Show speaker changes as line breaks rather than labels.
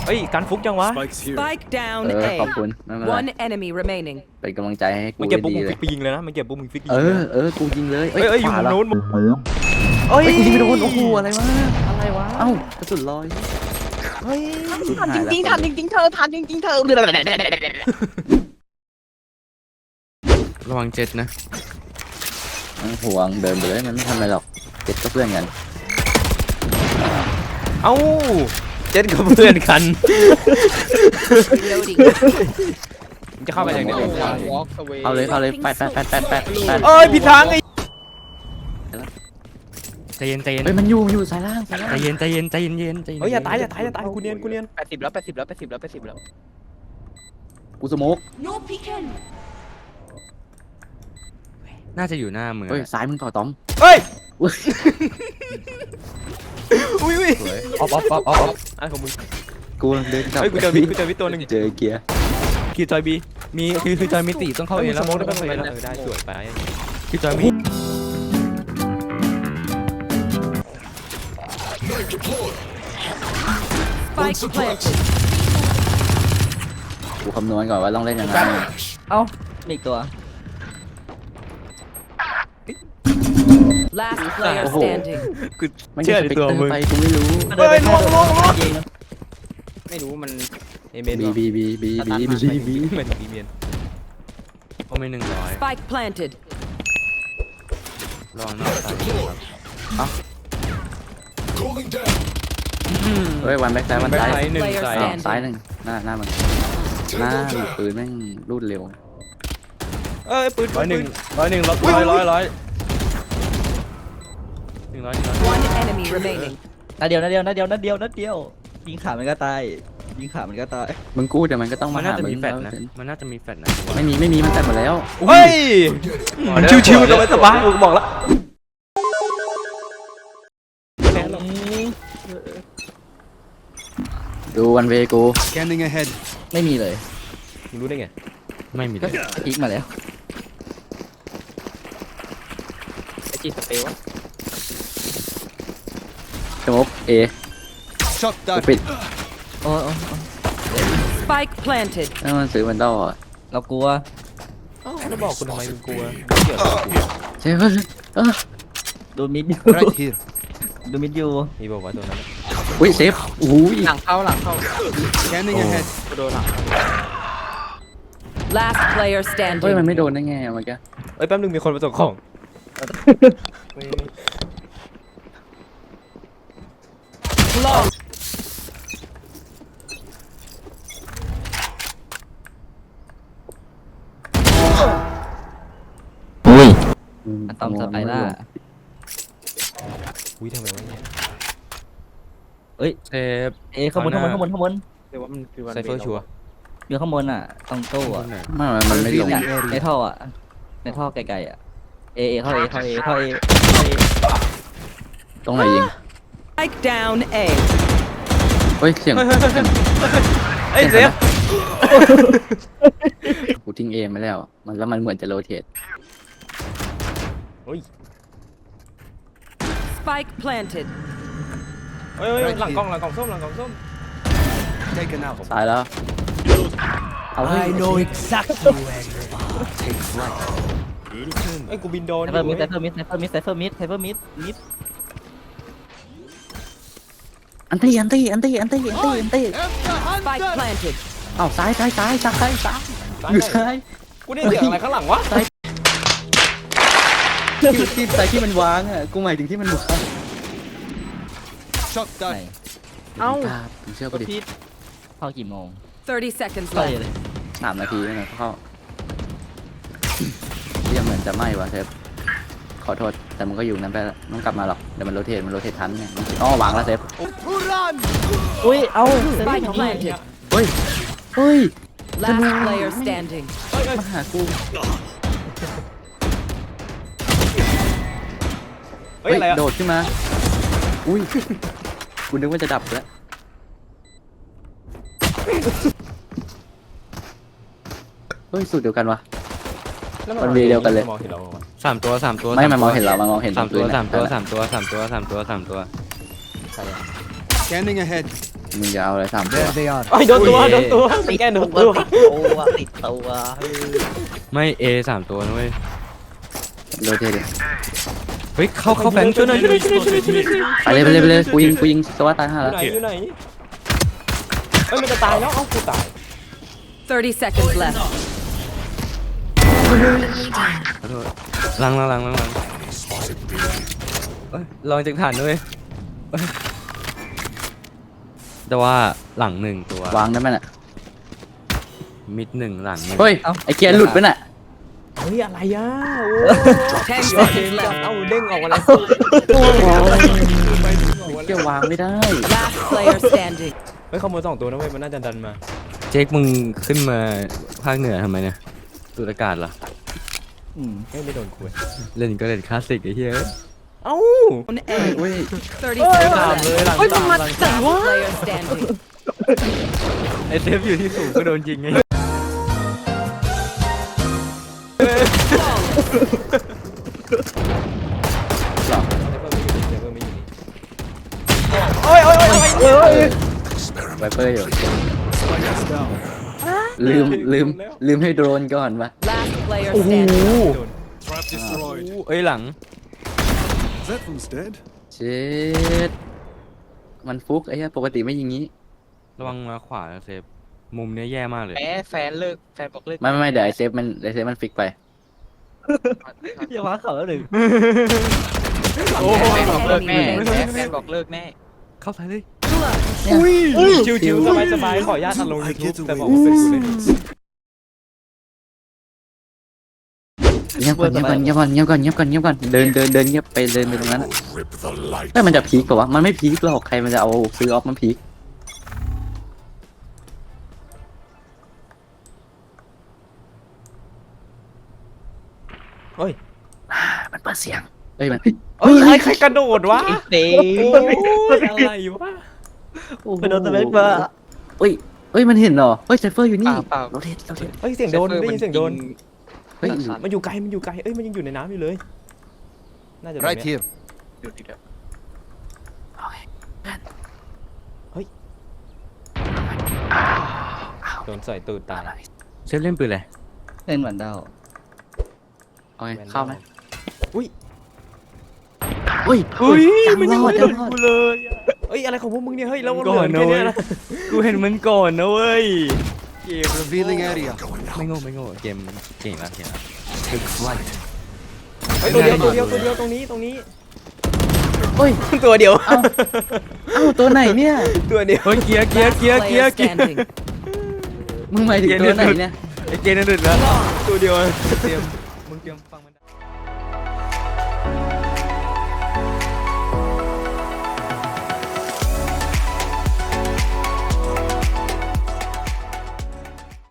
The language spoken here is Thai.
เฮ้ยการฟุกจังวะ
Spike down
ขอบ
A.
คุณไม่เป็นไร
One enemy remaining.
เป็นกำลังใจให้กู
มันเก็บปุ๊บ
ดี
มึง
เล
ฟิ
ย
กไปยิงเลยนะมันเก็บปุ๊บมึงฟิกยิง
กูยิงเลย
เอ้ยอยู่
ขวา
มุม
แล้ว
นู้นเอ้ย
กูยิงไม่โดนโอ้โหอะไรวะเอ้ากระสุนลอย
เฮ้ย
ทันจริงๆทันจริงๆเธอทันจริงๆเธอ
ระวังเจ็ดนะ
มันห่วงเดินไปเลยมันไม่ทำอะไรหรอกเจ็ดก็เพื่อนกัน
เอ้าเจ็ดกับเพื่อนกัน
Reloading.
มึงจะเข้าไปอย่างเดียว
เอาเลยแปด
เอ้ยผิดทางไอ้
ใจเย็นใจเย็น
เฮ้ยมันอยู่สายล่าง
ใจเย็นใจเย็นใจเย็นใจเย็น
เฮ้ยอย่าตายกูเนียน
80แล้ว80แล้ว80แล้ว80แล้ว
กูสโมก
No peeking.
น่าจะอยู่หน้ามึง
เฮ้ยซ้ายมึงต่อต้อม
เฮ้ย
อุ๊ย
อุ้ย
ออฟ
อะไรของมึง
กูเดินกลับ
เฮ้ยกูเจอวิตัวหนึ่ง
เจอเกียร์
คิวจอยบี
มีคือจอยมิติต้องเข้าเองแล้ว
สมองได้ไหมได้สวยไป
คือจอยมิ
Spike planted.
กูคำนวณก่อนว่าต้องเล่นยังไง
เอ้ามีอีกตัว
Last player
Oh.
standing.
กู
ไม่
เชื่อ
ใช่
ใน
สเปก
ตัว
เตอ
มึง
ร์ไปกูไม่รู้
เฮ้ยลง
ไม่รู้มัน
เอเมน
บี
เหมือนบีเมน
เขาไม่100
Spike planted.
รอนอกตายครับ
เฮ้ยวันแบ็กซ้ายวัน
แบ็ค
ซ้าย
ไซด์หนึ่ง
Player
ใส่
stand
ซ้ายหนึ่งหน้ามันปืนแม่งรูดเร็ว
เอ้ยปืน
100 100 100 100
One enemy remaining.
นัดเดียวยิงขามันก็ตายยิงขามันก็ตาย
มึงกู้เดี๋ยวมันก็ต้อง
มั
มาน
น่า
หา
จะ
มึ
มี
ง
แฟดนะมันน่าจะมีแฟดนะ
ไม่มีมันแตกหมดแล้ว
เฮ้ยชิวๆสบายๆกูบอกแล้ว
ดูวันเวกู
Scanning ahead.
ไม่มีเลย
มึงรู้ได้ไง
ไม่มีเลย
พลิกมาแล้ว
ไอจีสเปรย์วะ
สโมกเอ
Shot
กู
down.
ปิด
โอ้
Spike planted.
แล้วมันซื้อมันดออ่ะ
เรากลัว
แล้วบอกกูทำไมมึงกลัว
ใช่ปะ
ดูมิดอยู่
Right here.
ดูมิดอยู่
มีบอกว่าตัวนั้น
อุ้ยเซฟอุ้ย
หลังเข้า
Scanning ahead.
โดนหลัง
Last player
เฮ้ยมัน
standing.
ไม่โดนได้ไงเมื่อกี้
เอ้ยแป๊บนึงมีคนมาส่งของ
อะตอมสไปร่า
อุ้ยทำไมวะเนี่ย
เซฟ
ข้างบน
เดี๋ยวว่ามันคือวันไซเฟอร์ชัว
อยู่ข้างบนอ่ะตรงตู้อ่ะ
มันไม่ลง
เนี่ยในท่ออ่ะในท่อไกลๆอ่ะเข้าเอ
ตรงไหนยิง
Spike down A.
เฮ้ยเสียง
เอ้ยเซฟ
กูทิ้งเอมาแล้วมันเหมือนจะโรเทต
Spike planted.
เฮ้ยหลังกล่องส้ม
Taken out.
ตายแล้วเอาเฮ้ย
exactly where you are. Take flight.
เอ้ยกูบินโดน
ไซเฟอร์มิด
อันตี้
Spike planted.
เอ้าซ้ายอยู่ซ้าย
กูได้เสียงอะไรข้างหลังวะ
ที่ซ้ายที่มันวางอ่ะกูหมายถึงที่มันวาง
Shot
ไหน
down.
เอ้า
มึงเชื่อกูดิ
เข้ากี่โมง
30 seconds
เข้า
left.
เลย
3 นาทีนั่นแหละเข้ายังเหมือนจะไหม้วะเซฟขอโทษแต่มันก็อยู่นั้นไปแล้วต้องกลับมาหรอกเดี๋ยวมันโรเทตทันเนี่ยวางแล้วเซฟ
อุ้ยเอา
Spike planted.
เฮ้ย
Last player standing.
มาหากู
เฮ้ยอะไรอะ
โดดขึ้นมาอุ้ยกูนึกว่าจะดับแล้วเฮ้ยสูตรเดียวกันวะ มันมีเดียวกันเลย
มองเห็นเรา
3 ตัว
ไม่มันมองเห็นเรามันมองเห็น
3 ตัว
ปืนอะ
3 ตัว
นั่นแหละ
3 ตัว 3 ตัว 3 ตัว 3 ตัว 3 ตัว
Scanning ahead.
มึงจะเอาอะไร3 ตัว
There they are.
โอ้ยโดนตัวโดนตัวแกโดนตัว
ติดตัว
ไม่ A 3 ตัวนะเว้ย
โรเทตดิ
เฮ้ยเข้าแฟนช่วยหน่อยช่วยหน่อยช่วยหน่อยช่วยหน่อยช่วยหน่อย
ไปเลยกูยิงสวัสดิ์ตายห่า
อ
แล้ว
ยู่ไหนเอ้ยมันจะตายแล้วเอ้ากูตาย
30 seconds left.
ขอโทษลังเอ้ยลองจากฐานด้วยเอ้ยแต่ว่าหลัง1 ตัว
วางได้ไหมน่ะ
มิด1หลัง1
เฮ้ยไอเกียร์หลุดไปน่ะ
เฮ้ยอะไรอ่ะ
10
โอ้
seconds left.
เอ้าเด้งออกมาแล้ว
เกียร์วางไม่ได้
Last player standing.
เฮ้ยขโมย2 ตัวนะเว้ยมันน่าจะดันมา
เจ๊กมึงขึ้นมาภาคเหนือทำไมเนี่ยสูดอากาศเหรอ
เฮ้ยไม่โดนคุย
เล่นก็เล่นคลาสสิกไอ้เหี้ย
เอ้า
On A. 30
ตาม
seconds
เลย
left.
หลังตามหลังตาม
Last player standing.
ไอเซฟอยู่ที่สูงก็โดนจริงไง
โอ้ยโอ้ยโอ้ยโอ้ย
ไวเปอร์อยู่
Spike is down.
ลืมให้โดรนก่อนวะ
Last player standing.
Trap destroyed.
เอ้ยหลัง
That one's dead.
เช็ดมันฟุกไอ้เหี้ยปกติไม่ยิงงี้
ระวังมาขวานะเซฟมุมเนี้ยแย่มากเลย
แฟนบอกเลิก
ไม่เดี๋ยวไอเซฟมันฟิกไป
อย่าว้าเขาแล้วหนึ่ง
โอ้ย
บอกเลิกแน่แฟนบอกเลิกแน่
เข้าซ้ายเลย
ชิวๆสบายๆขออนุญาตอัดลง YouTube แต่บอกว่าเป็นกูเลย
เงียบก่อนเดินเงียบไปเดินไปตรงนั้นแต่มันจะพีคเปล่าวะมันไม่พีคหรอกใครมันจะเอาซื้อออฟมันพีค
เฮ้ย
มันเปิดเสียงเอ้ยมัน
เฮ้ยใครกระโดดวะ
เต้
โอ้ยอะไรวะ
ไปโดนตะเบ็ดมา
เอ้ยมันเห็นเหรอเฮ้ยไซเฟอร์อยู่นี่
เปล่า
เราเทส
เฮ้ยเสียงโดนได้ยินเสียงโดน
เฮ้ย
มันอยู่ไกลเอ้ยมันยังอยู่ในน้ำอยู่เลยน่าจะ
Right here.
โดนใส่ตูดตาย
เซฟเล่นปืนอะไร
เล่นเหมือนเดา
เอาไงเข้าไหม
อุ้ย
อุ้ย
มันยัง
รอ
ไม่
ด
โดนกูเลยเอ้ยอะไรของพวกมึงเนี่ยเฮ้ยแล้วมันเหลือแค่เนี้ยนะ
กูเห็นมันก่อนนะเว้ย
Revealing area.
ไม่โง่เกมเก่งแล้ว
Take flight.
เฮ้ยตัวเดียวตรงนี้
เฮ้ย
ตัวเดียว
เอ้าตัวไหนเนี่ย
ตัวเดียว
เฮ้ยเกียร์
Last player standing.
มึงหมายถึงตัวไหนเนี่ย
ไอเกมนั่นดึกแล้ว
ตัวเดียว
เตรียมมึงเตรียมฟังมันได้